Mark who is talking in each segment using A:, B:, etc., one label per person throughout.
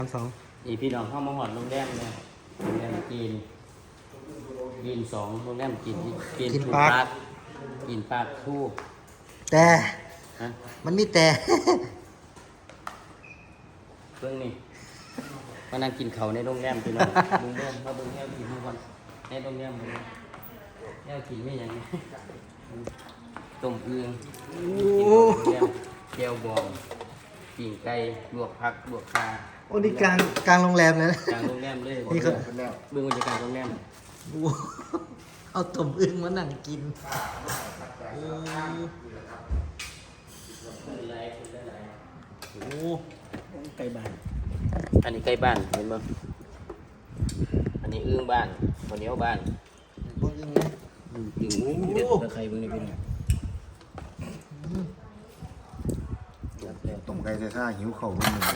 A: 2
B: อีพี่น้องเข้ามาหอดโรงแรมเนี่ยโรงแรมกิน2โรงแรมกินทูปาร์คกินปาร์คทู
A: แต่
B: ฮะ
A: มันมีแต่
B: เรื่องนี้มานั่งกินเขาในโรงแรมพี่น้องโรงแรมมาเบิ่งแนวกินทุกวันในโรงแรมเลยแนวกินไม่อย่างนี้ต้มอึ่งกินโรงแรมแก้วบองปิ้งไก่ลวกผักลวกปลา
A: โอ้นี่กลางโรงแรมเลยนะ
B: กลางโรงแรมเลย
A: นี่ก็
B: เบื้องบรรยากาศโรงแรม
A: โอ้เอาต้มอึ่งมานั่งกินโอ้โอ้ไก่บ้าน
B: อันนี้ใกล้บ้านเห็นมั้ยอันนี้อึ่งบ้านข้าวเหนียวบ้าน
A: บ่อึ่งนะ
B: อึ่งเด็ดตะไคร้เบื้องนี้เป็นไง
C: ต้มไก่ใส่ข้าหิวเข่าคนหนึ่ง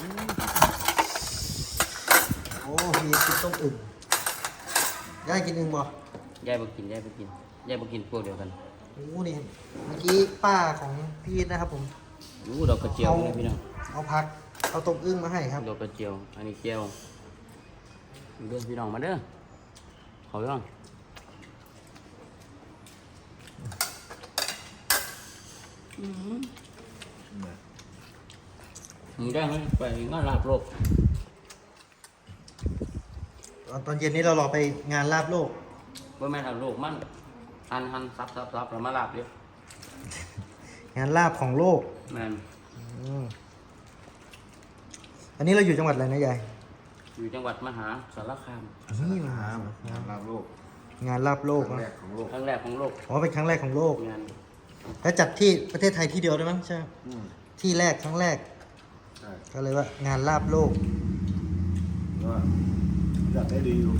A: โอ้มีกินต้มอึ่งยายกินอึ่งบ่
B: ยายบ่กินพวกเดียวกัน
A: โอ้นี่เมื่อกี้ป้าของพี่นะครับผม
B: รู้ดอกกระเจียวนี่พี่น้อง
A: เอาผักเอาต้มอึ่งมาให้ครับ
B: ดอกกระเจียวอันนี้เจียวเด้อพี่น้องมาเด้อเขาย่องมึงได้ไหมไปงานลาบโลก
A: ตอนเย็นนี้เรารอไปงานลาบโลก
B: ว่าแม่นลาบโลกมันหันซับแล้วมาลาบเดียว
A: งานลาบของโลก
B: แม่น
A: อืมอันนี้เราอยู่จังหวัดอะไรนะยาย
B: อยู่จังหวัดมหาสารคาม
A: นี่มา
C: ลาบโลก
A: งานลาบโลก
C: ครั้ง
A: นะ
C: แรกของโลก
B: ครั้งแรกของโลก
A: อ๋อเป็นครั้งแรกของโลก
B: งาน
A: แล้วจัดที่ประเทศไทยที่เดียวด้วยมั้งใช่ไหม
C: อืม
A: ที่แรกครั้งแรก
C: ใช่
A: ก็เลยว่างานลาบโลก
C: ว่าอยากได้ดีอยู่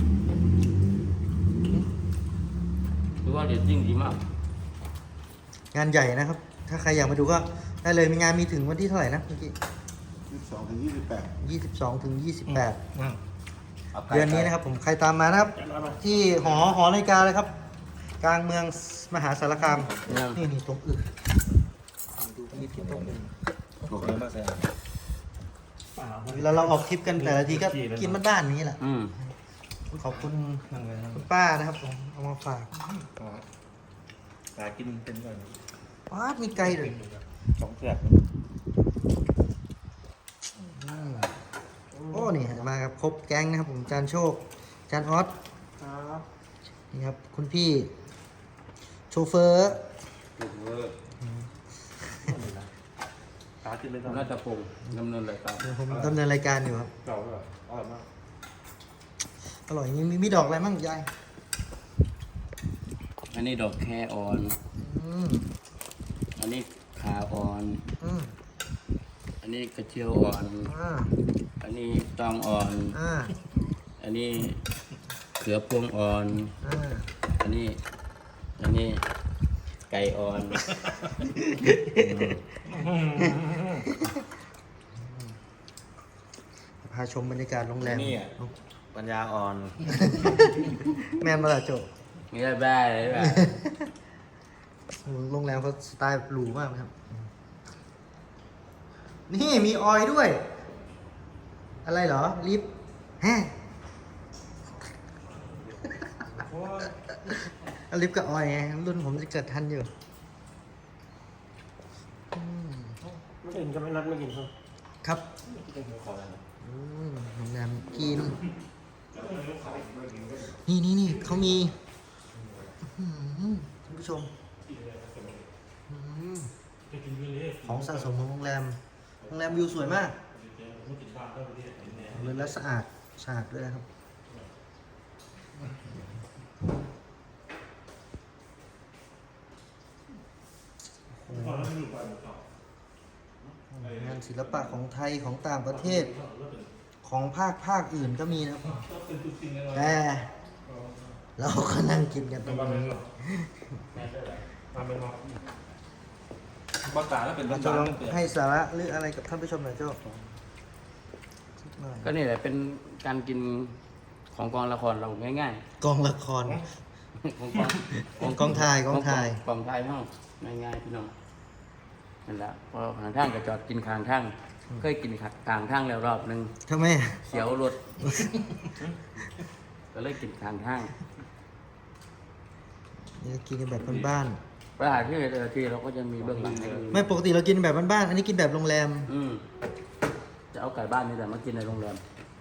B: คือว่าเด็ดจริงดีมาก
A: งานใหญ่นะครับ ถ้าใครอยากมาดูก็ได้เลยมีงานมีถึงวันที่เท่าไหร่นะเมื่อกี้
C: 22 ถึง 28
A: 22 ถึง 28 เดือนนี้นะครับผมใครตามมานะครับ ที่หอนาฬิกาเลยครับ กลางเมืองมหาสารคาม นี่ตรงอึ่งดูพี่ที่ตรงอึ่ง
C: ถูกแล้วมาแซม
A: แล้วเราออกทริปกันแต่ละทีก็กินบ้านๆอย่างนี้แหละ ขอบคุณคุณป้านะครับผมเอามาฝาก
D: หากินเป็นก่อน
A: ว้าดมีไก่ด้วย
D: สองเสือก
A: โอ้นี่มากับครบแก๊งนะครับผมจานโชคจานออสนี่ครับคุณพี่โชเฟอร์
D: หากินเป็นก่อน
B: น่าจะปรุงดำเนินรายการ
A: เดี๋ยวผมดำเนินรายการอยู่ครับ
D: เก่าแล้วอร่อยมาก
A: อร่อยมีดอกอะไรมั่งยาย
B: อันนี้ดอกแคอ่อน
A: อืม
B: อันนี้ขาอ่อน
A: อืม
B: อันนี้กระเจียวอ่อน
A: อ่า
B: อันนี้ตองอ่อน
A: อ่า
B: อันนี้เขือพวงอ่อน
A: อ่า
B: อันนี้ไก่อ่อน
A: พาชมบรรยากาศโรงแรม
D: นี่อ่ะปัญญาอ่อน
A: แมนมาละโจ
B: นี่ได้ได้เลยแบบ
A: โรงแรมเขาสไตล์หรูมากนะครับ นี่มีออยล์ด้วย อะไรเหรอ ลิฟต์ฮะเอาลิฟต์กับออยล์ไงรุ่นผมจะเกิดทันอยู่
D: ไม่กินก็ไม่นัดไม่กินเขา
A: ครับ
D: เป็นหัวคอแล้ว
A: โรงแรมกิน นี่เขามีอื้อหือท่านผู้ชมอื้อหือของสะสมของโรงแรมวิวสวยมากเลยและสะอาดด้วยนะครับโอ้โหงานศิลปะของไทยของต่างประเทศ ของภาคอื่นก็มีนะครับแต่เราก็นั่งกินกันตรงนี้
D: มาเป็นงอภาษาแล้วเป็น
A: เรา
D: ภา
A: จะ
D: ษา
A: ลอง
D: เปลี่ยน
A: ให้สาระหรืออะไรกับท่านผู้ชมหน่อยเจ้าสักหน่อย
B: ก็นี่แหละเป็นการกินของกองละครเราง่าย
A: กองละคร
B: ๆของ
A: ของกองถ่าย
B: กองถ่ายห้องง่ายๆพี่น้องนั่นแหละพอหางทางก็จอดกินข้างทางเคยกินขัดกลางทางแล้วรอบหนึง
A: ทำไม
B: เสียวรถ ก็เลยกินกลางทาง
A: นี่กินกันแบบบ้าน
B: เวลาที่แต่ละทีเราก็จะมีเบื้องหลังให้ดู
A: ๆไม่ปกติเรากินแบบบ้านๆอันนี้กินแบบโรงแรม
B: จะเอาไก่บ้านนี่แต่มากินในโรงแรม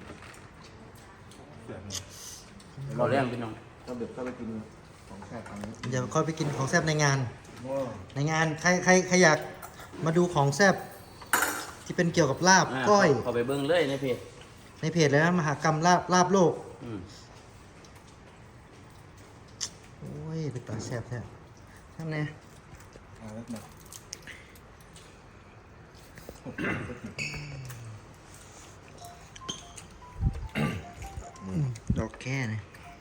C: เดี๋ยว
B: เราเลี้ยงพี่น้อง
C: เราเด็กก็ไปกินของแซ่บอันนี้
A: เดี๋ยวค่อยไปกินของแซ่บในงาน
C: โอ้
A: ในงานใครอยากมาดูของแซ่บที่เป็นเกี่ยวกับลาบก้อย
B: เขาไปเบื้องเลยในเพจ
A: ในเพจเลยนะมหากรรมลาบโลก
B: อืม
A: โอ้ยเป็นตาแซ่บแท้ทำไง
C: เอาแล้วมา
A: ดอกแค่นะ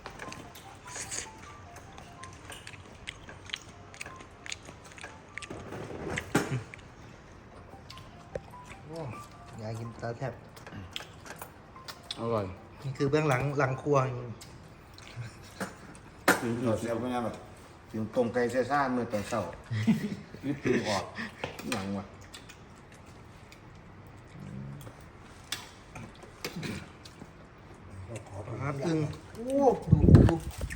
A: โอ้อยากกินตาแทบ
B: อร่อย
A: นี่คือเบื้องหลังครัว
C: เราเสียบไปงานแบบถึงตรงไกลเซ่ซ่าเมื่อตอนเช้ารีบตื่นออกหลังว่ะ
A: ครับอึ่งโอ้ดู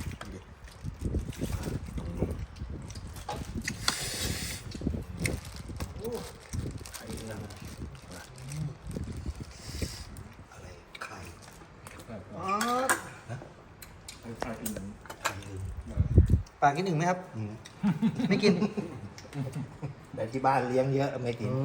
C: อะไรไข่
A: อ๋อ
C: ไข่ไข่อื่น
A: ปากกินอึ่งไหมครับ ไม่กิน
C: แต่ที่บ้านเลี้ยงเยอะไม่กิน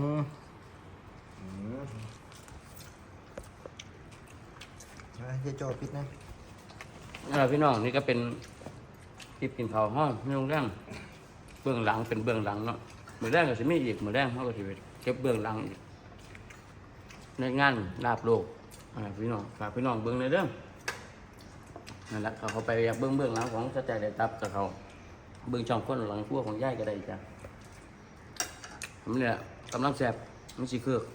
A: เฮียโจปิดนะ
B: นี่แหละพี่น้องนี่ก็เป็นคลิปกินข้าวห้องในโรงแรมเบื้องหลังเป็นเบื้องหลังเนาะมือแรกก็จะมีอีกมือแรกเขาก็จะเก็บเบื้องหลังอีกในงานลาบโลกพี่น้องฝากพี่น้องเบื้องในเรื่องนั่นแหละเขาไปอยากเบื้องหลังของสแตนเดตับกับเขาเบื้องช่องคนหลังพวกของย่ายก็ได้จ้ะผมเนี่ยกำลังแสบมันสิเครือก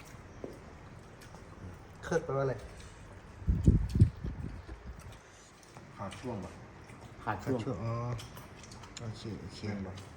A: เคยแปลว่าอะไร
C: ขาดช่วงแบบ
B: ขาดช่วง
A: อ๋อโอเค
C: เคียงแบบ